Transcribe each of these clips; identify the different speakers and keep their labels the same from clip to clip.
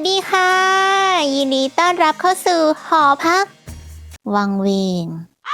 Speaker 1: ดีค่ะยินดีต้อนรับเข้าสู่หอพักวังเวง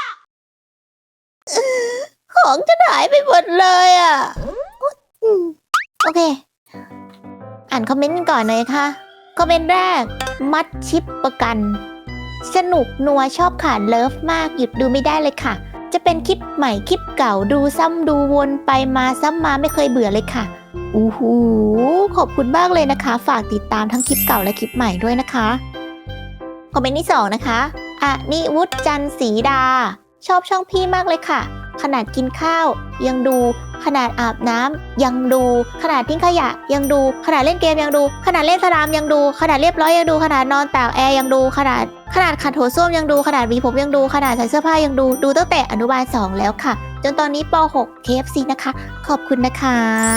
Speaker 1: ของจะหายไปหมดเลยอ่ะโอเคอ่านคอมเมนต์กันก่อนเลยค่ะคอมเมนต์แรกมัดชิปประกันสนุกนัวชอบขาดเลิฟมากหยุดดูไม่ได้เลยค่ะจะเป็นคลิปใหม่คลิปเก่าดูซ้ำดูวนไปมาซ้ำมาไม่เคยเบื่อเลยค่ะอู้หูขอบคุณมากเลยนะคะฝากติดตามทั้งคลิปเก่าและคลิปใหม่ด้วยนะคะคอมเมนต์ที่2นะคะนิวุฒิจันทร์ศรีดาชอบช่องพี่มากเลยค่ะขนาดกินข้าวยังดูขนาดอาบน้ำยังดูขนาดทิ้งขยะยังดูขนาดเล่นเกมยังดูขนาดเล่นสนามยังดูขนาดเรียบร้อยยังดูขนาดนอนตากแอร์ยังดูขนาดขัดโถส้วมยังดูขนาดหวีผมยังดูขนาดใส่เสื้อผ้ายังดูตั้งแต่อนุบาล2แล้วค่ะจนตอนนี้ป .6 KFC นะคะขอบคุณนะคะ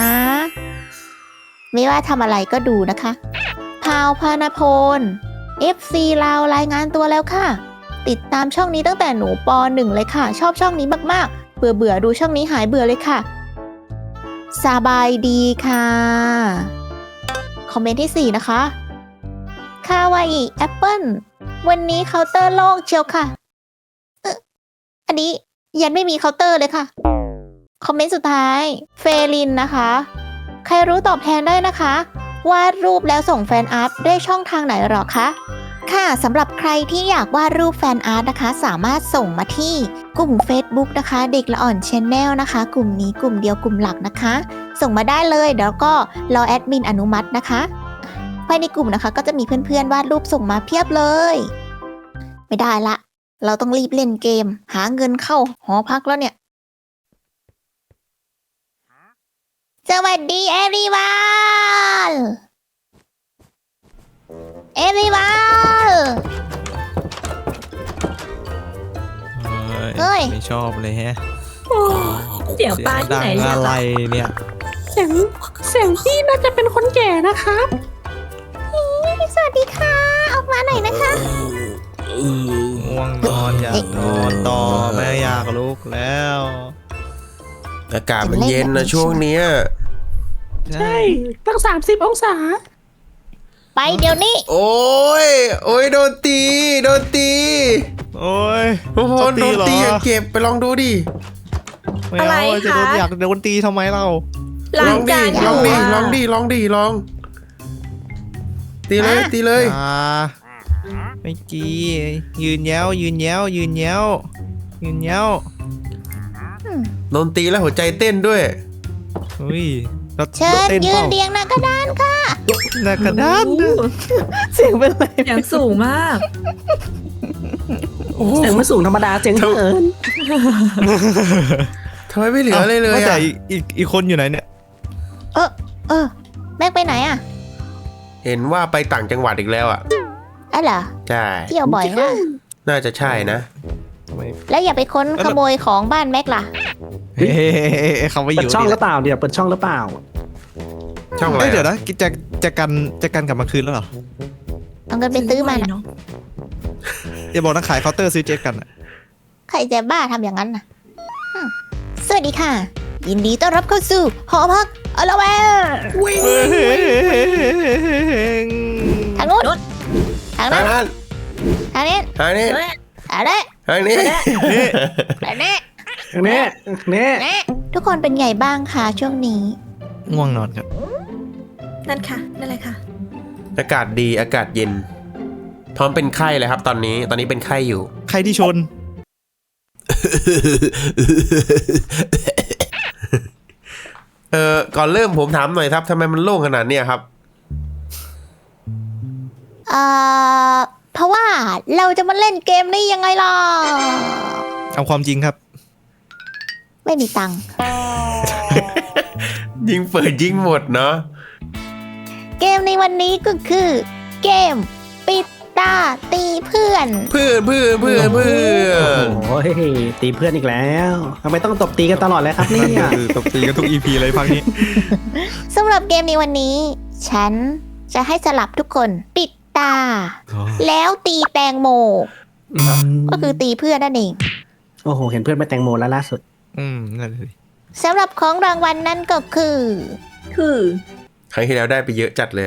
Speaker 1: ไม่ว่าทำอะไรก็ดูนะคะพาวพานาพล FC ลาวรายงานตัวแล้วค่ะติดตามช่องนี้ตั้งแต่หนูป .1 เลยค่ะชอบช่องนี้มากๆเบื่อดูช่องนี้หายเบื่อเลยค่ะสบายดีค่ะคอมเมนต์ที่4นะคะคาวาอิแอปเปิลวันนี้เคาน์เตอร์โล่งเชียวค่ะอันนี้ยันไม่มีเคาน์เตอร์เลยค่ะคอมเมนต์สุดท้ายเฟลินนะคะใครรู้ตอบแทนได้นะคะวาดรูปแล้วส่งแฟนอาร์ตได้ช่องทางไหนหรอคะค่ะสำหรับใครที่อยากวาดรูปแฟนอาร์ตนะคะสามารถส่งมาที่กลุ่ม Facebook นะคะเด็กละอ่อน Channel นะคะกลุ่มนี้กลุ่มเดียวกลุ่มหลักนะคะส่งมาได้เลยเดี๋ยวก็รอแอดมินอนุมัตินะคะภายในกลุ่มนะคะก็จะมีเพื่อนๆวาดรูปส่งมาเพียบเลยไม่ได้ละเราต้องรีบเล่นเกมหาเงินเข้าหอพักแล้วเนี่ยสวัสดี everyoneเฮ้ย
Speaker 2: ไม่ชอบเลยแฮะ
Speaker 3: เสียงป้าที่ไหน
Speaker 2: ดังอะไรเนี่ย
Speaker 3: เสียงพี่น่าจะเป็นคนแก่นะครับ
Speaker 1: สวัสดีค่ะออกมาหน่อยนะคะ
Speaker 2: ง่วงนอนอยากนอนต่อไม่อยากลุกแล้ว
Speaker 4: อากาศมันเย็นนะช่วงเนี้ย
Speaker 3: ใช่ตั้ง30 องศา
Speaker 1: ไปเดี๋ยวนี้
Speaker 4: โอ้ยโดนตี
Speaker 2: โอ้ย
Speaker 4: โอ้โหโดนตีอย่าเก็บไปลองดูดิ
Speaker 3: อะไรคะ
Speaker 2: อยากโดนตีทำไมเรา
Speaker 4: ลองดิลองตีเลย
Speaker 2: ไม่จียืนแย้ว
Speaker 4: โดนตีแล้วหัวใจเต้นด้วย
Speaker 2: เฮ้ย
Speaker 1: เชิญยืนเรียงหน้ากระดานค่ะ
Speaker 2: หน้ากระดาน
Speaker 3: เสียงเป็นไรเสียงสูงมากเสียงไม่สูงธรรมดาเสียงเหิน
Speaker 4: ทำไมไม่เหลืออะไรเลย
Speaker 2: แต่อีกคนอยู่ไหนเนี่ย
Speaker 1: แม็กไปไหนอ่ะ
Speaker 4: เห็นว่าไปต่างจังหวัดอีกแล้วอ่ะ
Speaker 1: เหรอ
Speaker 4: ใช่
Speaker 1: เที่ยวบ่อยนะ
Speaker 4: น่าจะใช่นะ
Speaker 1: แล้วอย่าไปค้นขโมยของบ้านแม็กล่ะ
Speaker 2: เขาไม่อยู่
Speaker 3: เปิดช่องหรือเปล่าเดี๋ยวเปิดช่องหรือเปล่า
Speaker 4: ช่องอะไร
Speaker 2: เดี๋ยวนะจะกันกลับมาคืนแล้วเหรอ
Speaker 1: เอาเงินไปซื้อมาเนาะ
Speaker 2: อย่าบอกนะขายเคาน์เตอร์ซื้อเจ็ตกันอ่ะ
Speaker 1: ใครจะบ้าทำอย่างนั้นน่ะสวัสดีค่ะยินดีต้อนรับเข้าสู่หอพักอลาเวทางนู้นทางนั้นทางนี้ทุกคนเป็นไงบ้างคะช่วงนี้
Speaker 2: ง่วงนอนครับ
Speaker 3: นั่นค่ะนั่นเลยค่ะ
Speaker 4: อากาศดีอากาศเย็นพร้อมเป็นไข้เลยครับตอนนี้เป็นไข้อยู่
Speaker 2: ใครที่ชน
Speaker 4: ก่อนเริ่มผมถามหน่อยครับทำไมมันโล่งขนาดนี้ครับ
Speaker 1: เพราะว่าเราจะมาเล่นเกมนี้ยังไงล่ะ
Speaker 2: เอาความจริงครับ
Speaker 1: ไม่มีตังค์
Speaker 4: ยิงเปิดยิงหมดเนาะ
Speaker 1: เกมในวันนี้ก็คือเกมปิดตาตีเพื่อน
Speaker 4: โ
Speaker 3: อ้ยตีเพื่อนอีกแล้วทำไมต้องตบตีกันตลอดเลยครับเนี่ย
Speaker 2: ตบตีกันทุก EP เลยพักนี้
Speaker 1: สำหรับเกมในวันนี้ฉันจะให้สลับทุกคนปิดตาแล้วตีแตงโมก็คือตีเพื่อนนั่นเอง
Speaker 3: โอ้โหเห็นเพื่อนไปแตงโมแล้วล่าสุด
Speaker 2: นั่นเลย
Speaker 1: สำหรับของรางวัลนั่นก็คือ
Speaker 4: ครั้งที่แล้วได้ไปเยอะจัดเลย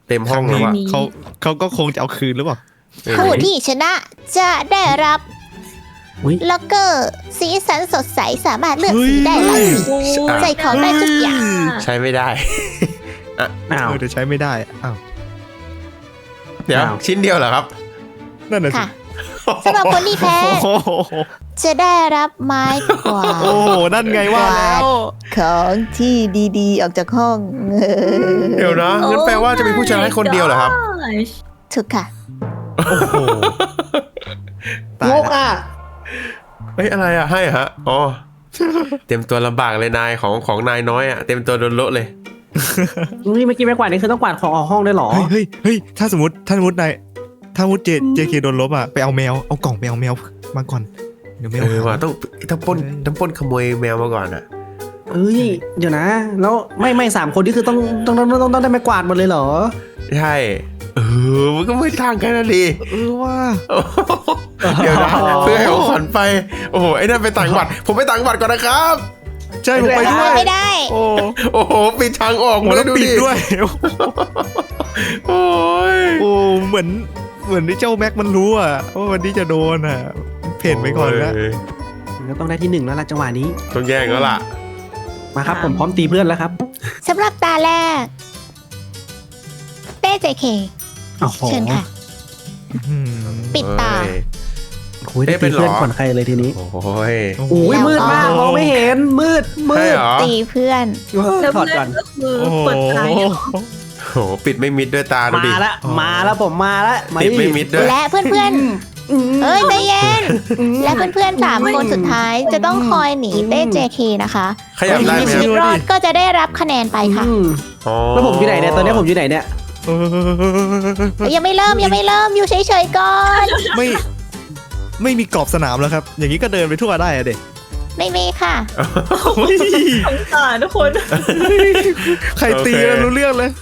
Speaker 4: เต็มห้องเลยว่ะ
Speaker 2: เขาก็คงจะเอาคืนหรือเปล่า
Speaker 1: ผู้ที่ชนะจะได้รับ
Speaker 3: อุ๊ย
Speaker 1: ล็อกเกอร์สีสันสดใสสามารถเลือกสีได้หลายสี ใส่ของได้ทุกอย่าง
Speaker 4: ใช้ไม่ได้
Speaker 3: อ้าว
Speaker 2: เดี๋ยวใช้ไม่ได้อ้าว
Speaker 4: เดี๋ยว
Speaker 3: อ้าว
Speaker 4: ชิ้นเดียวเหรอครับ
Speaker 2: นั่นน่ะสิ
Speaker 1: ค่ะสำหรับคนที่แพ้
Speaker 2: โอ้โห
Speaker 1: จะได้รับไม้กวาด
Speaker 2: โอ้โหนั่นไงว่าแล้ว
Speaker 1: ของที่ดีๆ ออกจากห้อง
Speaker 4: เดี๋ยวนะงั้นแปลว่าจะมีผู้ชนะคนเดียวเหรอครับ
Speaker 1: ถูกค่ะ
Speaker 2: โอ้โหตาย
Speaker 3: ง
Speaker 2: ละ
Speaker 3: กอ่ะ
Speaker 4: เฮ้ยอะไรอ่ะให้เหรอฮะอ๋อ เต็มตัวลำบากเลยนายของนายน้อยอ่ะเต็มตัวโดนโละเลย
Speaker 3: นี่เมื่อกี้ไม่กวาดนี่คือต้องกวาดของออกห้องได้เหรอ
Speaker 2: เฮ้ยถ้าสมมตินายถ้าสมมติเจเคโดนลบอ่ะไปเอาแมวเอากล่องไปเอาแมวมาก่อนเดี๋ยวแมว
Speaker 4: ว่ะ
Speaker 2: หา
Speaker 4: ต้องปล้นขโมยแมวมาก่อนอ่ะ
Speaker 3: เอ้ยเดี๋ยวนะ แล้วไม่สามคนที่คือต้องได้ไม้กวาดหมดเลยเหรอ
Speaker 4: ใช่มันก็ไม่ต่างกันนะดิ
Speaker 2: ว่า
Speaker 4: เดี๋ยวนะเพื่อให้ของขวัญไปโอ้โหไอ้นั่นไปต่างจังหวัดผมไปต่างจังหวัดก่อนนะครับ
Speaker 2: ใช่ผมไปด้วย
Speaker 1: ไม่ได้
Speaker 2: โอ้
Speaker 4: โอ้โหปิดทางออก
Speaker 2: โหแล้ว
Speaker 4: ดู
Speaker 2: ปิดด้วย
Speaker 4: โอ้ย
Speaker 2: โอ้เหมือนที่เจ้าแม็กมันรู้อ่ะว่าวันนี้จะโดนอ่ะเพ่นไปก่อนแล้ว
Speaker 3: ก็ต้องได้ที่หนึ่งแล้วล่ะจังหวะนี้
Speaker 4: ต้องแย่งแล้วล่ะ
Speaker 3: มาครับผมพร้อมตีเพื่อนแล้วครับ
Speaker 1: สำหรับตาแรก เต้เจเค
Speaker 3: โอ้โห
Speaker 1: เชิญค่ะ ปิดตา
Speaker 3: โอ้ยได้ตีเพื่อนก่อนใครเลยทีนี้
Speaker 4: โอ้ย
Speaker 3: โอ้ยมืดมากมองไม่เห็นมืด
Speaker 4: ใช่เหรอ
Speaker 1: ตีเพื่อน
Speaker 3: ถอดก่อน
Speaker 5: ก็คือ
Speaker 2: โอ้โห
Speaker 5: เปิดท้ายเหรอ
Speaker 4: โอ้โหปิดไม่มิดด้วยตาดูดิ
Speaker 3: มาแล้วผมมาแล้ว
Speaker 4: ปิดไม่มิดด้วย
Speaker 1: และเพื่อนๆ เอ้ยใจเย็น และเพื่อนๆ3 คนสุดท้ายจะต้องคอยหนีเต้เจเคนะคะ
Speaker 4: ขยับได้ไหม
Speaker 1: ชีวิตรอดก็จะได้รับคะแนนไปค่ะ
Speaker 4: อ๋อ
Speaker 3: แล้วผมอยู่ไหนเนี่ยตอนนี้ผมอยู่ไหนเนี่ย
Speaker 1: ยังไม่เริ่มอยู่เฉยๆก่อน
Speaker 2: ไม่มีกรอบสนามแล้วครับ อย่างนี้ก็เดินไปทั่วได้อะเด็ก
Speaker 1: ไม่มีค่ะ
Speaker 5: สงสารทุกคน
Speaker 2: ใครตีแล้วรู้เรื่องเลย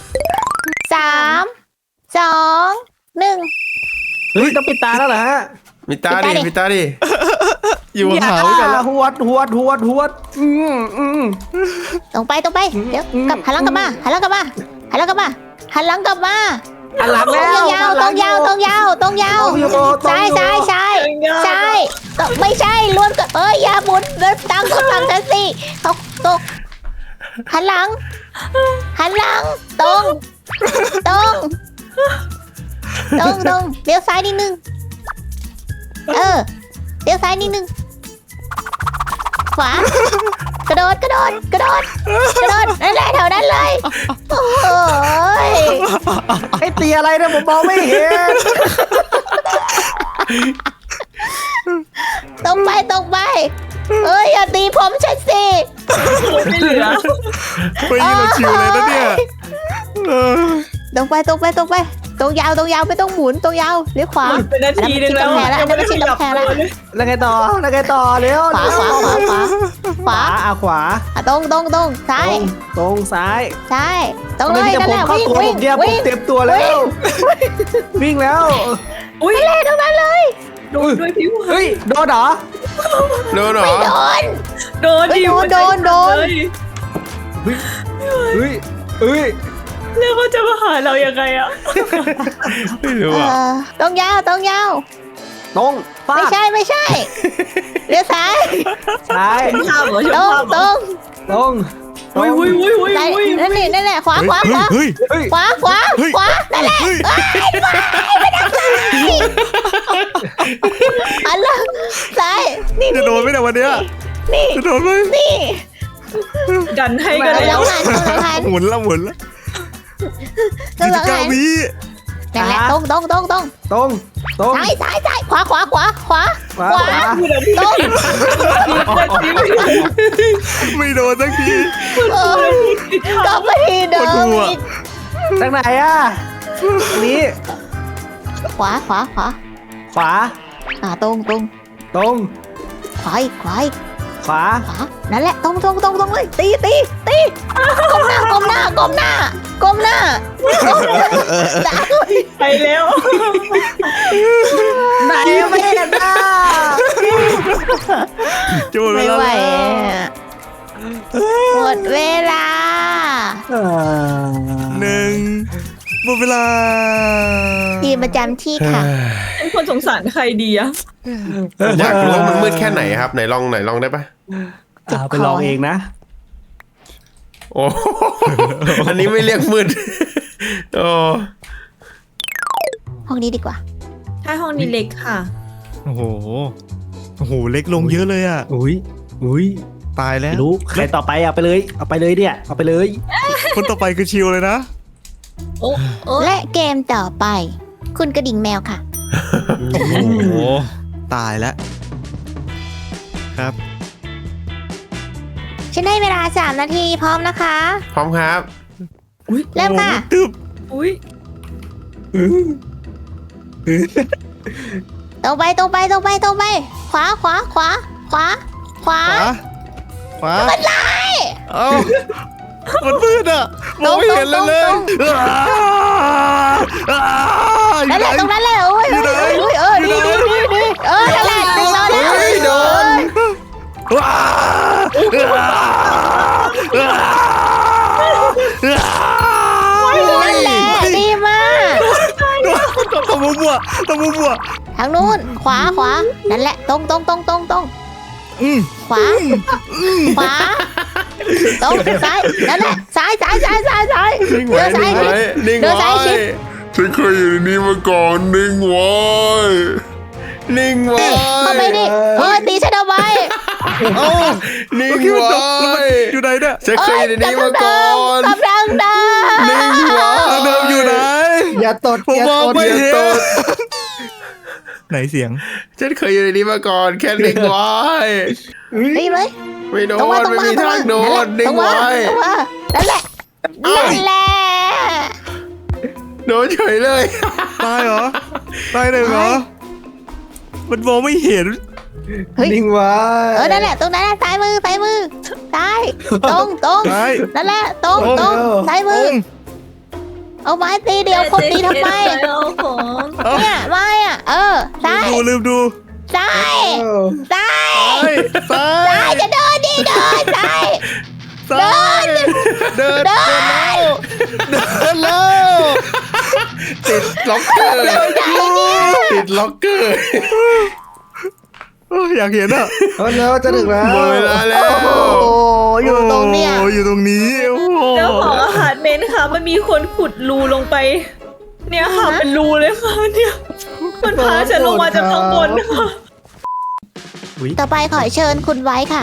Speaker 1: 3 2 1
Speaker 3: เฮ้ยต้องปิดตาแล้วเหรอฮะ
Speaker 4: มีตาดิมีตาดิ
Speaker 2: อยู่บนเขากันแล้ว
Speaker 3: หวด
Speaker 1: ตรงไปเดี๋ยวกลับหันหลังกลับมาหันหลังกลับมาหันหลังกลับมาหันหลังกลับมา
Speaker 3: อันหลัง
Speaker 1: ตร
Speaker 3: แล้
Speaker 1: ง
Speaker 3: วย
Speaker 1: าวตรงยาวซ้ายไม่ใช่ล้วนกับอย่าหมุนเดินตั้งคนหลังกันสิตกหันหลังตรงเลี้ยวซ้ายนิดนึงเลี้ยวซ้ายนิดนึงขวากระโดดนั่นแหละแถวนั้นเลยโอ้ย
Speaker 3: ไอ้ตีอะไรเนี่ยผมมองไม่เห็น
Speaker 1: ตรงไปอย่าตีผมฉันสิ
Speaker 5: ไม่เหลือ
Speaker 2: ไปยิงเราชิวเลยนะเนี่ยเออ
Speaker 1: ตรงไปตรงยาวไม่ต้องหมุนตรงยาวเลี้ยวขวา
Speaker 5: เป็นนาทีนึงแล้ว
Speaker 1: อันนั้นมันชิดกำแพงแล้ว
Speaker 3: แล้วไงต่อเร็ว
Speaker 1: ขวา
Speaker 3: ขวา
Speaker 1: ตรงซ้าย
Speaker 3: ตรงซ้าย
Speaker 1: ตรงเลย
Speaker 3: จะ
Speaker 1: นั่น
Speaker 3: ผ
Speaker 1: แห
Speaker 3: ม
Speaker 1: ละ
Speaker 3: เข้าตัวผมเดียวผมเต็มตัวแล้ว วิ่งแล้ว
Speaker 5: อุ้ย
Speaker 1: นั่นแหละตรงนั้นเลย
Speaker 5: โดนด้วยผิว
Speaker 3: เฮ้ยโดนเหรอ
Speaker 4: โดนเหรอ
Speaker 1: ไม่โดน
Speaker 5: โดนดิ
Speaker 1: โดน
Speaker 5: เลย
Speaker 3: เฮ้ย
Speaker 5: แล้วเขาจะมาหาเรายังไงอ่ะ
Speaker 4: ไม่รู้อ่ะ
Speaker 1: ตรงยาว
Speaker 3: ตรงฟา
Speaker 1: ไม่
Speaker 3: ด
Speaker 1: ใช่เลี้ยวซ้าย
Speaker 3: ซ้าย
Speaker 5: ข้ามเหรอช
Speaker 1: ต
Speaker 5: อ
Speaker 1: ร
Speaker 5: บ
Speaker 1: ง
Speaker 5: ข้ามเหรอ
Speaker 3: ตรง
Speaker 5: อุ้ย
Speaker 1: ซ้ายนั่นแหละขวา
Speaker 2: เฮ้ย
Speaker 1: ขวานั่นแหละอันละซ้ายนี่
Speaker 2: จะโดนไหมเนี่ยวันเนี้ย
Speaker 1: นี่
Speaker 2: จะโดนไหม
Speaker 1: นี่
Speaker 5: ดันให้กัน
Speaker 1: กำ
Speaker 5: แล้
Speaker 1: ลั
Speaker 5: ว
Speaker 1: งหัน
Speaker 2: หมุนแล้ว
Speaker 1: กำลัง
Speaker 2: 29
Speaker 1: หัน
Speaker 2: วิ
Speaker 1: นั่นแหละตรง
Speaker 3: ตรง
Speaker 1: ซ้ายขวาตรง
Speaker 2: ไม่โดนสักที
Speaker 1: กลับมาที่เดิ
Speaker 2: ปวดหั
Speaker 1: ม
Speaker 2: ว
Speaker 1: อีก
Speaker 3: ทางไหนอ่ะนี้
Speaker 1: ขวา
Speaker 3: ขวา
Speaker 1: ตรง
Speaker 3: ตรง
Speaker 1: ขวาอีก
Speaker 3: ขวา
Speaker 1: นั่นแหละตรงเลยตีก้มหน้า
Speaker 5: ไปแล้ว
Speaker 3: ไหนไม่เห็นอ่ะ
Speaker 2: จะหมดเว
Speaker 1: ไม่
Speaker 2: ลา
Speaker 1: ไหว
Speaker 2: แล้ว
Speaker 1: หมดเวลา
Speaker 2: 1 หมมดเวลา
Speaker 1: ทีมประจำที่ค่ะ
Speaker 5: เป็นคนสงสารใครดีอะ
Speaker 4: อยากรู้ว่ามันมืดแค่ไหนครับไหนลองได้ปะ
Speaker 3: ไปลองเองนะ
Speaker 4: โอ้อันนี้ไม่เรียกมืดโอ้
Speaker 1: ห้องนี้ดีกว่า
Speaker 5: ถ้าห้องนี้เล็กค่ะ
Speaker 2: โอ้โหเล็กลงเยอะเลยอ่ะ
Speaker 3: อุ้ย
Speaker 2: ตายแล้ว
Speaker 3: รู้ใครต่อไปเอาไปเลยเนี่ยเอาไปเลย
Speaker 2: คนต่อไปคือชิวเลยนะ
Speaker 5: โอ้โอ้
Speaker 1: และเกมต่อไป คุณกระดิ่งแมวค่ะ
Speaker 2: โอ้โหตายแล้วครับ
Speaker 1: ฉันให้เวลา3 นาทีพร้อมนะคะ
Speaker 4: พร้อมครับ
Speaker 1: เริ่มค่ะ
Speaker 2: โอ้โหตึบ
Speaker 5: อุ้ย
Speaker 1: ตรงไป ขวา
Speaker 2: ขวามันไล่เอ้ามันมืดอ่ะมองไม่เห็นเลย
Speaker 1: ตรง นั่นแหละตรงนั้นแหละโอ้ย
Speaker 2: อยู่ไหน
Speaker 1: ดีนั่นแหละตรงนั้นแหละ
Speaker 4: เฮ้ยโดน
Speaker 1: นั่นแหละดีมาก
Speaker 2: ต้องมัว
Speaker 1: ทางนู้นขวานั่นแหละตรง
Speaker 2: อืม
Speaker 1: ขวาตรงซ้ายนั่นแหละซ้ายเดินซ้ายชิด
Speaker 4: นิ่ง
Speaker 1: เดินซ้ายชิด
Speaker 4: ฉันเคยอยู่ในนี้มาก่อนนิ่งไว้
Speaker 1: เข้าไปดิตีฉันเอาไว้
Speaker 2: เอ้า
Speaker 4: นิ่ง
Speaker 2: เมื่อกี้มัน
Speaker 4: ไว้
Speaker 2: จบแล้วมันอยู่ไหนเนี่ย
Speaker 4: ฉันเคยอยู่ในนี้มาก่อน
Speaker 1: กำลังเดิน
Speaker 4: นิ่งไว้
Speaker 2: เดิมอยู่ไหน
Speaker 3: อย่าตด
Speaker 2: ผมมองไม่
Speaker 4: อย่า
Speaker 2: เห็น
Speaker 4: ตด
Speaker 2: ไหนเสียง
Speaker 4: ฉันเคยอยู่ในนี้มาก่อนแค่นิ่งไว้
Speaker 1: ดีเลย
Speaker 4: ไม่โด
Speaker 1: ตรง
Speaker 4: น
Speaker 1: มา
Speaker 4: ไม่มีทางโดนนิ่งไว้
Speaker 1: นั่นแหละ
Speaker 4: โดนเฉยเลย
Speaker 2: ตายเหรอตายเลยเหรอมันมองไม่เห็น
Speaker 3: นิ่งไว้
Speaker 1: นั่นแหละตรงนั้นซ้ายมือซ้ายตรง
Speaker 2: ซ้าย
Speaker 1: นั่นแหละตรงซ้ายมือ เอาไม้ตีเดียวคนตีทำไม
Speaker 5: เอาของ
Speaker 1: เนี่ยไม้อ่ะซ้าย
Speaker 2: ลืมดู
Speaker 1: ซ้ายซ้าย
Speaker 2: ซ้า
Speaker 1: ซ้าย
Speaker 2: ย
Speaker 1: จะเดินดิเดินซ้าย
Speaker 2: ซ้ายเดินแล้ว
Speaker 4: ติดล็อกเกอร์ติดล็อกเกอร์
Speaker 2: อยากเห็นอ่ะ
Speaker 3: แล้วจะถึงแล้ว
Speaker 4: หมดเวลาแล้ว
Speaker 1: โอ้อยู่ตรงเนี้ย
Speaker 2: โอ้อยู่ตรงนี้โอ้โห
Speaker 5: เจ้าของอาหารเมนค่ะ มันมีคนขุดรูลงไป เนี่ยค่ะเป็นรูเลยค่ะเนี่ยมันพาฉันลงมาจากข้างบนค่ะ
Speaker 1: ต่อไปขอเชิญคุณไว้ค่ะ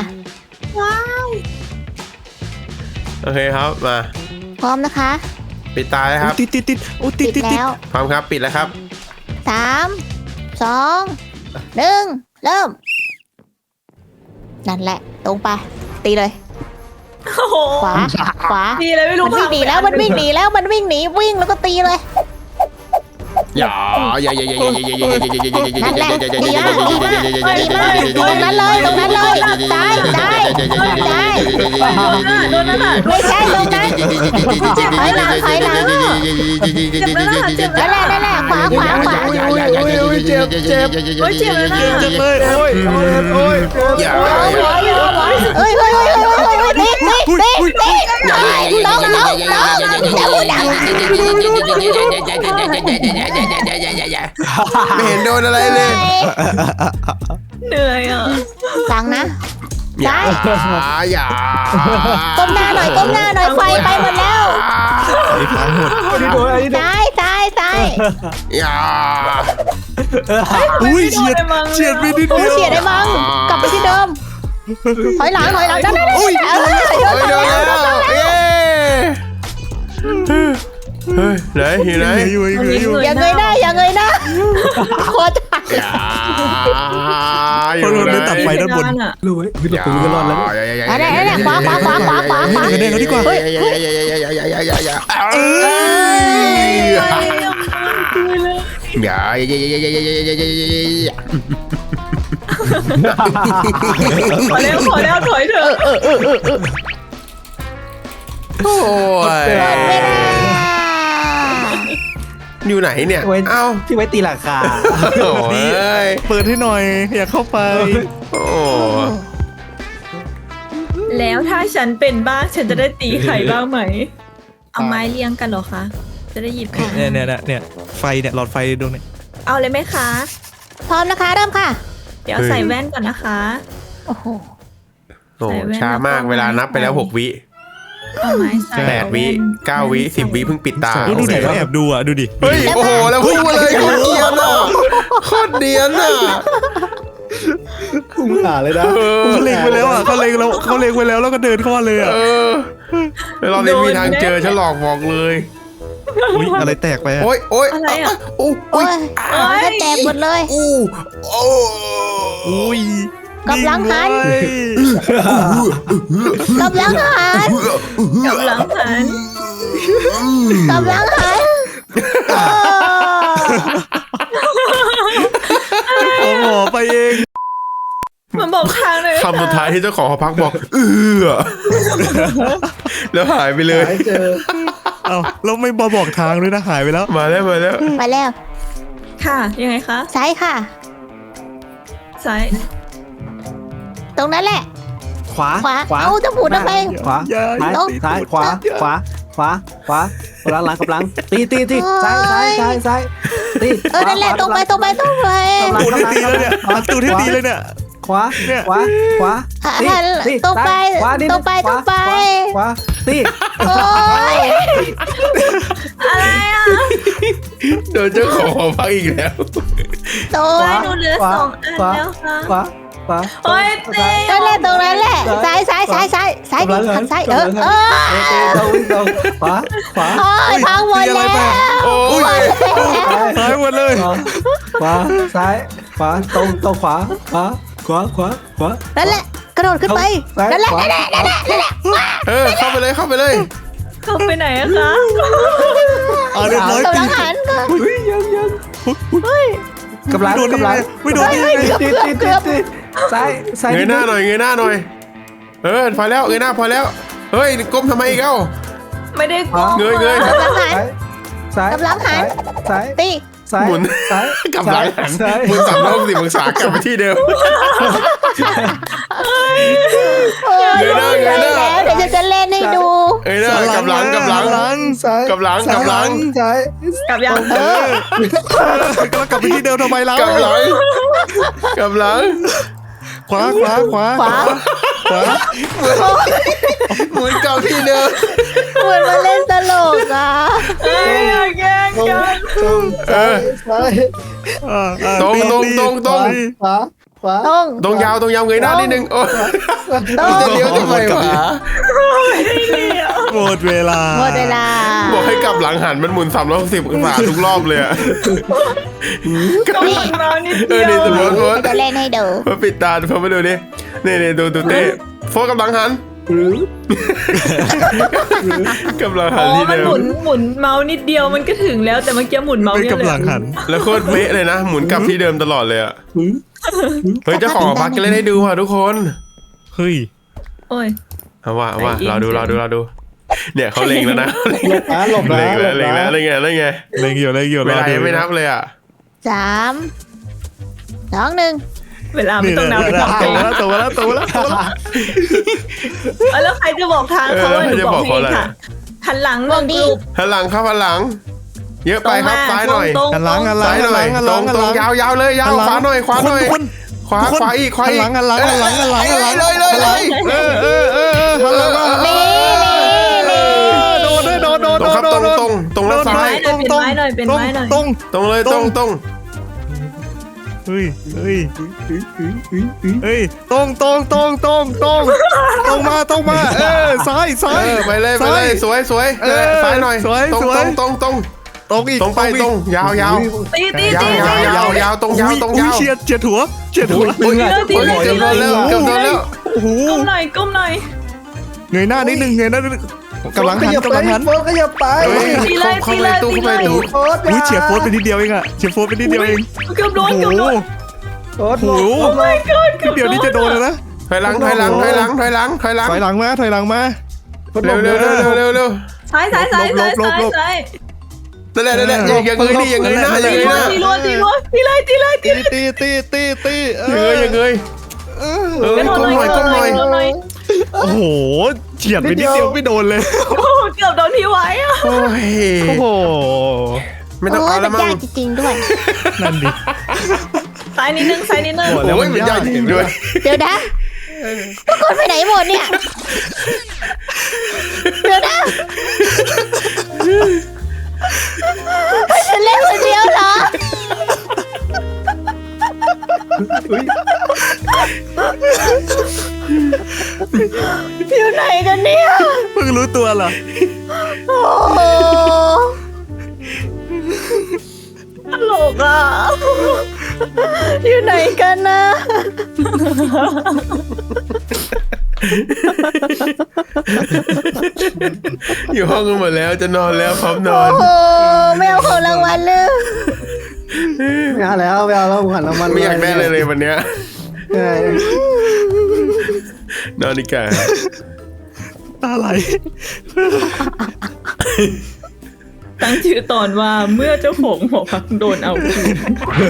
Speaker 4: โอเคครับมา
Speaker 1: พร้อมนะคะ
Speaker 4: ปิดตาเลยครับ
Speaker 2: ติดโอ้ติด
Speaker 1: แล้ว
Speaker 4: พร้อมครับปิดแล้วครับ
Speaker 1: 3 2 1 เริ่ม นั่นแหละ ตรงไป ตีเลย
Speaker 5: โอ้โห
Speaker 1: ขวา
Speaker 5: ดีเลยไม่รู้
Speaker 1: มันวิ่งหนีแล้วมันวิ่งหนีวิ่งแล้วก็ตีเลย
Speaker 4: อย่า
Speaker 1: นั่นแหละดีมากตรงนั้นเลยซ้าย
Speaker 5: โดนนั่นน่ะ
Speaker 1: ไม่ใช่ตรงนั้นถอยหลัง
Speaker 5: เจ็บแล้วน่ะเจ็บแล้ว
Speaker 1: นั่นแหละขวา
Speaker 4: เจ็บ
Speaker 5: โอ้ยเจ็บแล้วน่ะ
Speaker 2: จังเลยโอ้ย
Speaker 4: อย่า
Speaker 1: เฮ้ยตีต้อง
Speaker 4: ไม่เห็นโดนอะไรเลย
Speaker 5: เหนื่อยอ่ะ
Speaker 1: ฟังนะ
Speaker 4: อย่าอย่า
Speaker 1: ก้มหน้าหน่อยไฟไปหมดแล้ว
Speaker 2: ไอ้พังหมด
Speaker 1: ซ้าย
Speaker 4: อย่า
Speaker 2: อุ้ยเฉียดไปนิด
Speaker 1: โอ้
Speaker 2: เดียว
Speaker 1: เสียได้มั้งกลับไปที่เดิมถอยหลังนั่น
Speaker 2: อุ้ย
Speaker 4: โอ้ยโดนแล้วเย้เฮ้ยไหนอยู่ไหน
Speaker 2: อยู่
Speaker 1: อย่าเงยหน้าโคตร
Speaker 4: อย่าอยู่ไหน
Speaker 2: ตัดไฟด้านบน
Speaker 5: อ่ะ
Speaker 3: รู้ไหมเราปืนก็รอดแล้ว
Speaker 1: นั่นขวา
Speaker 2: คะแนนเขาดีกว่า
Speaker 1: เฮ้ย
Speaker 5: ขอแล้วถอยเถอะ
Speaker 4: โอ้ยอยู่ไหนเนี่ยเอ้า
Speaker 3: ที่ไว้ตีราคา
Speaker 4: โอ้ย
Speaker 2: เปิดให้หน่อยอยากเข้าไป
Speaker 4: โอ้
Speaker 5: แล้วถ้าฉันเป็นบ้างฉันจะได้ตีไข่บ้างไหม เอาไม้เลี้ยงกันเหรอคะจะได้หยิบ
Speaker 2: เนี่ยไฟเนี่ยหลอดไฟดวงเนี่ย
Speaker 5: เอาเลยไหมคะ
Speaker 1: พร้อมนะคะเริ่มค่ะ
Speaker 5: เดี๋ยวใส่แว่นก่อนนะคะ
Speaker 1: โอ้โห
Speaker 4: โอ้
Speaker 5: ใส่แว่น
Speaker 4: ช้ามากเวลานับไปแล้ว6 วิ
Speaker 5: เอาไม้ใส่
Speaker 4: 8 วิ 9 วิ 10 วิเพิ่งปิดตา
Speaker 2: ดูดิเขาแอบดูอ่ะดูดิ
Speaker 4: เฮ้ยโอ้โหแล้วพูดมาเลยโคตรเดียนอ่ะโคตรเดียนอ่ะ
Speaker 3: คุ้มขาเลยนะ
Speaker 2: เขาเล็งไปแล้วอ่ะเขาเล็งไปแล้วแล้วก็เดินเข้ามาเลยอ่ะ
Speaker 4: เราได้มีทางเจอฉันหลอกบอกเลย
Speaker 2: อุ้ยอะไรแตกไปอ่ะ
Speaker 4: โอ๊ยโอ๊ย
Speaker 5: อะไรอ่ะ
Speaker 4: โอ้
Speaker 1: โอ้
Speaker 4: ย
Speaker 1: ยจะแตกหมดเลย
Speaker 4: อู้โอ้
Speaker 2: อุ้ย
Speaker 1: กำลังหัน
Speaker 2: ด้วย
Speaker 1: กำลังหัน
Speaker 5: กำลังหัน
Speaker 1: กำลังหัน
Speaker 2: เอาหมอไปเอง
Speaker 5: มันบอกทางเลย
Speaker 4: คำสุดท้ายที่เจ้าของหอพักบอกแล้วหายไปเลย
Speaker 3: หายเจอ
Speaker 2: เอาแล้วไม่บอกทางด้วยนะหายไปแล้ว
Speaker 4: มาแล้ว
Speaker 1: ไปแล้ว
Speaker 5: ค่ะยังไงคะ
Speaker 1: ซ้ายค่ะ
Speaker 5: ซ้าย
Speaker 1: ตรงนั้นแหละ
Speaker 3: ขวา
Speaker 1: ขวาเอาจะหมุนทำไม
Speaker 3: ขวา
Speaker 2: อย่า
Speaker 3: ซ้ายขวากำลังตีซ้ายตี
Speaker 1: นั่นแหละตรงไป
Speaker 2: ตูดให้ตีเลยเนี่ยหันตูดให้ตีเลยเนี่ย
Speaker 3: ขวา
Speaker 1: หันตรงไป
Speaker 3: ขวาตี
Speaker 1: โอ้ย
Speaker 5: อะไรอ่ะ
Speaker 4: โดนเจ้าของหอพักอีกแล้ว
Speaker 1: โต
Speaker 5: โอ้ยหนูเหลือ2 อันแล้วค่ะ
Speaker 3: ขวา
Speaker 5: โอ้ยเต้
Speaker 1: นั่นแหละตรงนั้นแหละซ้ายดิหันซ้าย
Speaker 3: ขวา
Speaker 1: โอ้ยพังหมดแล้ว
Speaker 4: โอ้ย
Speaker 2: หายหมดเลย
Speaker 3: ขวาซ้ายขวาตรงขวา
Speaker 1: นั่นแหละกระโดดขึ้นไปนั่นแหละ
Speaker 4: เข้าไปเลย
Speaker 5: เข้าไปไหนอะคะ
Speaker 2: เอาเรียบร้อย
Speaker 1: กำ
Speaker 2: ตี
Speaker 1: ลังหัน
Speaker 3: กำลัง
Speaker 2: ไม่โดนได้ไง
Speaker 3: ตีซ้าย
Speaker 4: เงยหน้าหน่อยพอแล้วเงยหน้าพอแล้วเฮ้ยก้มทำไมอีกเอ้า
Speaker 5: ไม่ได้กลัว
Speaker 4: เงย
Speaker 1: กำลังหัน
Speaker 3: ซ้าย
Speaker 1: ตี
Speaker 3: ซ้าย
Speaker 4: หมุน
Speaker 3: ซ้าย
Speaker 4: กลับหลังหันหมุน360 องศากลับไปที่เดิม เงยหน้า
Speaker 1: แล้วเดี๋ยวจะเล่นให้ดู
Speaker 4: เงยหน้ากลับหลัง
Speaker 3: ซ้าย
Speaker 4: กลับหลัง
Speaker 3: ซ้าย
Speaker 5: กลับยัง
Speaker 2: แล้วกลับไปที่เดิมทำไมล่ะ
Speaker 4: กลับหลัง
Speaker 2: ขวา
Speaker 4: หมุนกลับที่เดิม
Speaker 1: เหมือนมาเล่นตลกอ่ะ
Speaker 5: แกล้งกัน
Speaker 3: ซ้าย
Speaker 4: ตรง
Speaker 3: ขวา
Speaker 1: ตรง
Speaker 4: ยาวเงยหน้านิดนึงโอ้ย
Speaker 1: ตรง
Speaker 4: จะเลี้ยวทำไมวะ
Speaker 2: หมดเวลา
Speaker 4: บอกให้กลับหลังหันมันหมุน360 องศาทุกรอบเลยอะ
Speaker 5: ก็หมุนมานิดเดี
Speaker 4: นี่
Speaker 5: ยว
Speaker 4: สมมติ
Speaker 1: จะเล่นให้ดู
Speaker 4: พอปิดตาพอมาดูดินี่ดูเต้โฟกัสกำลังหัน
Speaker 3: หรือก
Speaker 4: ำลังหั
Speaker 5: อ๋
Speaker 4: น
Speaker 5: อ
Speaker 4: ที่
Speaker 5: มัน
Speaker 4: เดิ
Speaker 5: หมุ
Speaker 4: ม
Speaker 5: นเมาส์นิดเดียวมันก็ถึงแล้วแต่เมื่อกี้หมุนเมาส์
Speaker 2: เป็น
Speaker 5: เยอะ
Speaker 2: กำลัง
Speaker 5: เลย
Speaker 2: หัน
Speaker 4: แล้วโคตรเป๊ะเลยนะหมุนกลับที่เดิมตลอดเลยอะเฮ้ยเจ้าของหอพักจะเล่นให้ดูว่ะทุกคน
Speaker 2: เฮ้ย
Speaker 5: โอ้ย
Speaker 4: เอาว่าเราดูเนี่ยเขาเล็งแล้วนะ
Speaker 3: หลบนะ
Speaker 4: เล็งแล้วไง
Speaker 2: เล็งอยู่
Speaker 4: เวลายังไม่นับเลยอ่ะ
Speaker 1: 3 2 1
Speaker 5: เวลาไม่ต้องนับ
Speaker 2: ตัวแล้ว
Speaker 5: แล้วใครจะบอกทางเขาว่าหนูบอกให้ค่ะหันหลังบอกดิ
Speaker 4: หันหลังครับหันหลัง เยอะไปครับซ้ายหน่อย
Speaker 2: หันหลัง
Speaker 4: ซ้ายหน่อยตรงยาวเลยขวาหน่อยขวาอีก
Speaker 2: หันหลัง
Speaker 4: เลย
Speaker 2: หันหลังหันหลัง
Speaker 1: นี่
Speaker 2: โดน
Speaker 4: ตรงครับตรงแล้วซ้าย
Speaker 5: เป็นไม้หน่อยเป็นไม้หน่อย
Speaker 2: ตรง
Speaker 4: ตรงเลยตรง
Speaker 2: เฮ้ยตรงมาซ้าย
Speaker 4: ไปเลยสวยซ้ายหน่อยตรงอีกตรงไปตรงยาว
Speaker 5: ตี
Speaker 4: ยาวตรงยาว
Speaker 2: เฉียดหัว
Speaker 4: เกือบโดนแล้ว
Speaker 2: โอ้โห
Speaker 5: ก้มหน่อย
Speaker 2: เงยหน้านิดนึงกำลังหัน
Speaker 3: โฟก็อย่าไป
Speaker 4: เข้าไปตู้
Speaker 2: อุ้ยเฉียดโฟสไปนิดเดียวเองอะเฉียดโฟสไปนิดเดียวเอง
Speaker 5: เกือบโดน
Speaker 3: โอ้
Speaker 2: โอ้โห
Speaker 5: my god เกือบ
Speaker 2: เดี๋ยวนี้จะโดนแล้วนะ
Speaker 4: ถอยหลังมา
Speaker 2: ถอยหลังมา
Speaker 4: เร็ว
Speaker 5: ซ้ายนั่นแหละ
Speaker 4: อย่างเงยนี่อย่างเงยหน้า
Speaker 5: ตีรัวตีเลย
Speaker 2: ตี
Speaker 4: อย่างเงยก้มหน่อย
Speaker 2: โอ้โหเฉียดไปนิดเดียวไม่โดนเลย
Speaker 5: เกืกือบโดนพี่ไว้อะ
Speaker 4: โอ้ย
Speaker 2: โอ้โห
Speaker 4: ไม่ต้อง
Speaker 1: โอ้
Speaker 4: เอา
Speaker 1: ย
Speaker 4: แล้
Speaker 1: มั
Speaker 4: วน มั้
Speaker 1: ยาง กจริงๆด้วย
Speaker 2: นั่นดิ
Speaker 5: ซ้ายนิดนึงซ้ายนิดนึง
Speaker 2: หมดแล้ว
Speaker 4: โอ้ยมันยากจริงด้วย
Speaker 1: เดี๋ยวนะทุกคนไปไหนหมดเนี่ย เดี๋ยวนะให้ฉันเล่นคนเดียวเหรอ อยู่ไหนกันเนี่ย
Speaker 2: เพิ่งรู้ตัวเหรอ
Speaker 1: โอ้โห
Speaker 5: ตลกอ่ะ
Speaker 1: อยู่ไหนกันนะ
Speaker 4: อยู่ห้องกันหมดแล้วจะนอนแล้วพร้อมนอ
Speaker 1: โอ้
Speaker 4: น
Speaker 1: โหไม่เอาของรางวัลเลย
Speaker 3: ไม่เอาแล้วไม่เอาแล้วหันรางวัล
Speaker 4: ไม่อยากได้เลยวันเนี้ย
Speaker 3: ใช่
Speaker 4: นอนดีกว่า
Speaker 2: ตาไหล
Speaker 5: ตั้งชื่อตอนว่าเมื่อเจ้าของหอพักโดนเอาคืน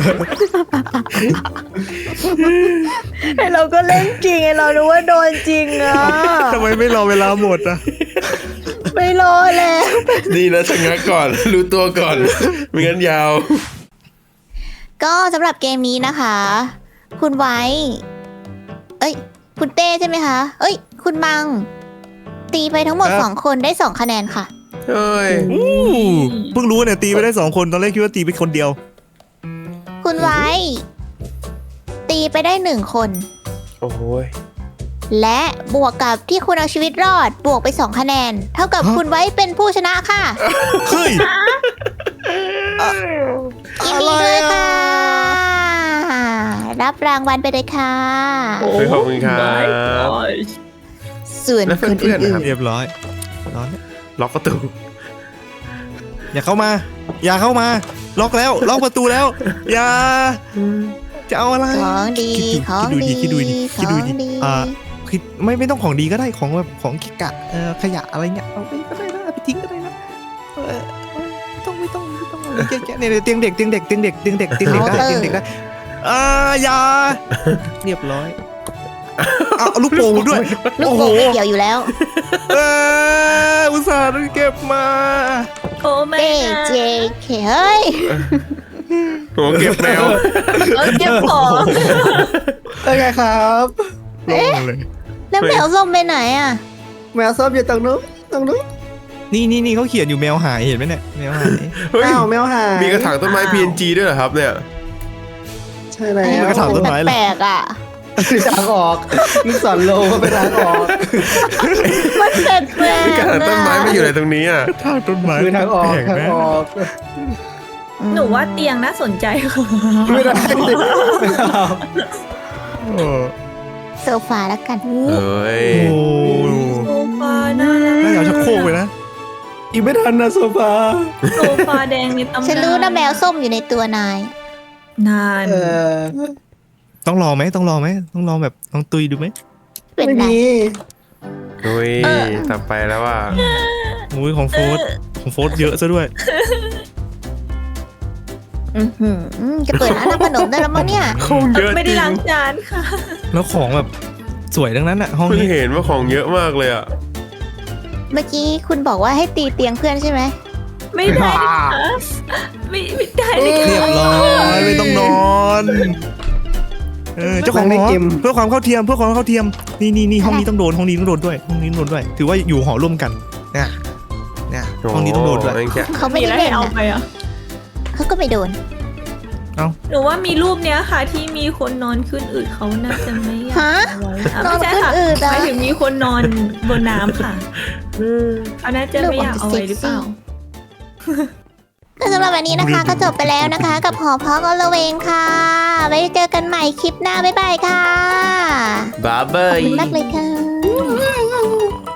Speaker 1: ไอเราก็เล่นจริงไอเรารู้ว่าโดนจริงอ่ะ
Speaker 2: ทำไมไม่รอเวลาหมดอ่ะ
Speaker 1: ไม่รอแล้ว
Speaker 4: ดีนะชะงักก่อน รู้ตัวก่อน ไม่งั้นยาว
Speaker 1: ก็สำหรับเกมนี้นะคะ คุณไว้ เอ้ย คุณเต้ใช่ไหมคะ เอ้ย คุณมัง ตีไปทั้งหมด
Speaker 2: ครับ
Speaker 1: 2 คนได้ 2 คะแนนค่ะ
Speaker 4: เฮ้ย
Speaker 2: เพิ่งรู้เนี่ยตีไปได้2 คนตอนแรกคิดว่าตีไปคนเดียว
Speaker 1: คุณไว้ ตีไปได้ 1 คน
Speaker 4: โอ้โหย
Speaker 1: และบวกกับที่คุณเอาชีวิตรอด บวกไป 2 คะแนน เท่ากับ
Speaker 2: ฮะ
Speaker 1: คุณไว้เป็นผู้ชนะค่ะ
Speaker 2: เฮ้ย
Speaker 1: ยินดีด้วยค่ะ รับรางวัลไปเลยค่ะ
Speaker 4: เฮ้ยขอบคุณครับ
Speaker 1: ส่วน
Speaker 4: แล้ว
Speaker 1: คน
Speaker 4: เพื่อนๆ
Speaker 1: อื่
Speaker 4: นะครั
Speaker 1: น
Speaker 4: บ
Speaker 2: เรียบร้อยร้อน
Speaker 4: ล็อกประตู
Speaker 2: อย่าเข้ามา อย่าเข้ามา ล็อกแล้ว ล็อกประตูแล้ว อย่า จะเอาอะไร
Speaker 1: ๆของดีของดี
Speaker 2: คิดดูดิ
Speaker 1: ข
Speaker 2: คิดดู
Speaker 1: อง
Speaker 2: ดิ
Speaker 1: ดี
Speaker 2: คือไม่ต้องของดีก็ได้ของแบบของกิกะขยะอะไรเงี้ยเอาไปก็ได้นะเอาไปทิ้งก็ได้นะไม่ต้องอะไรเยอะแยะเนี่ยเตียงเด็กได้เตียงเด็กได้อย่าเรียบร้อยเอาลูกโป่งด้วย
Speaker 1: ลูก
Speaker 2: โอ้
Speaker 1: โป่
Speaker 2: โห
Speaker 1: งไม่เกี่ยวอยู่แล้ว
Speaker 2: อุตส่าห์เก็บมา
Speaker 5: โอ้แม่
Speaker 1: เต้เจเคเฮ้ย
Speaker 4: หัวเก็บแมว
Speaker 5: เอาเก็บของ
Speaker 3: เป็นไงครับ
Speaker 2: ลงเลย
Speaker 1: แล้วแมวส้มไปไหนอ่ะ
Speaker 3: แมวส้มอยู่ตรงนู้นตรงนู้น
Speaker 2: นี่เขาเขียนอยู่แมวหายเห็นไหมเนี่ยแมวหาย
Speaker 4: เฮ้ย
Speaker 3: อ้าวแมวหาย
Speaker 4: มีกระถางต้นไม้ PNG ด้วยเหรอครับเนี่ย
Speaker 3: ใช่แล้ว
Speaker 2: มันกระถางต้นไม้เหรอ
Speaker 1: แปลกๆอ่ะ
Speaker 3: คือทางออกลูกศรโลก็เป็นทางออก
Speaker 1: มันแปลกๆ
Speaker 4: มีกระถางต้นไม้มาอยู่ในตรงนี้อ่ะ
Speaker 2: ทางต้นไม้
Speaker 3: คือทางออก
Speaker 2: แปล
Speaker 3: ทาง
Speaker 2: ไหม
Speaker 3: ออก
Speaker 5: หนูว่าเตียงน่าสนใจค่ะ
Speaker 3: ไม่ได้ไม่เอา
Speaker 2: โอ้
Speaker 1: โซฟาแล้วกัน
Speaker 4: เฮ้ย
Speaker 2: โห
Speaker 5: โซฟาน่ารัก
Speaker 2: น่าจะเอาชักโครกไปนะ
Speaker 3: อีกไม่ทันนะโซฟา
Speaker 5: โซฟาแดงในตำนาน
Speaker 1: ฉันรู้นะแมวส้มอยู่ในตัวนาย
Speaker 5: นาน
Speaker 2: ต้องรอไหมต้องรอแบบต้องตุยดูไหม
Speaker 1: เป็น
Speaker 3: ไม่
Speaker 1: ไร
Speaker 3: มี
Speaker 4: อุ้ยต่อไปแล้วว่า
Speaker 2: โอ้ยของโฟร์เยอะซะด้วย
Speaker 1: จะเปิดร้านทำขนมได้แล้วมั้งเนี่ย
Speaker 4: ของเยอะ
Speaker 5: ไม่
Speaker 4: จ
Speaker 5: ได้
Speaker 4: ริง
Speaker 5: ล้างจานค่ะ
Speaker 2: แล้วของแบบสวยทั้งนั้นอะห้อง
Speaker 4: เพิ่ง
Speaker 2: นี้
Speaker 4: เห็นว่าของเยอะมากเลยอ่ะ
Speaker 1: เมื่อกี้คุณบอกว่าให้ตีเตียงเพื่อนใช่ไหม
Speaker 5: ไม่ได้ค่ะไม่ได้เลย
Speaker 2: เรียบ
Speaker 5: ค่ะ
Speaker 2: ร้อยไม่ต้องนอนเจ้าของหอเพื่อความเข้าเทียมนี่ห้องนี้ต้องโดนห้องนี้ต้องโดนด้วยถือว่าอยู่หอร่วมกันเนี่ยห้องนี้ต้องโดนด้วย
Speaker 1: เขาไม่
Speaker 5: มี
Speaker 1: ได้
Speaker 5: อะไร
Speaker 1: เล่น
Speaker 5: เอา
Speaker 1: นะ
Speaker 5: ไปอ่ะ
Speaker 1: เขาก็ไม่โดน
Speaker 5: หนูว่ามีรูปเนี้ยค่ะ ที่มีคนนอนขึ้นอืดเขาน่าจะไม่อยาก
Speaker 1: ฮะ
Speaker 5: เอาไว้อ่ะ
Speaker 1: นอน
Speaker 5: ไม่ใช่ค่ะ
Speaker 1: ขึ้นอืดเหรอ
Speaker 5: หมายถึงมีคนนอนบนน้ำค่ะเขาน่าจะไม่อยากเอาไว้หรือเปล่า
Speaker 1: ก็สำหรับวันนี้นะคะ ก็จบไปแล้วนะคะ กับหอพักอลเวงค่ะ ไว้เจอกันใหม่คลิปหน้าบ๊ายบายค่ะ
Speaker 4: บ๊ายบา
Speaker 1: ขอบ
Speaker 4: ย
Speaker 1: คุณมากเลยค่ะ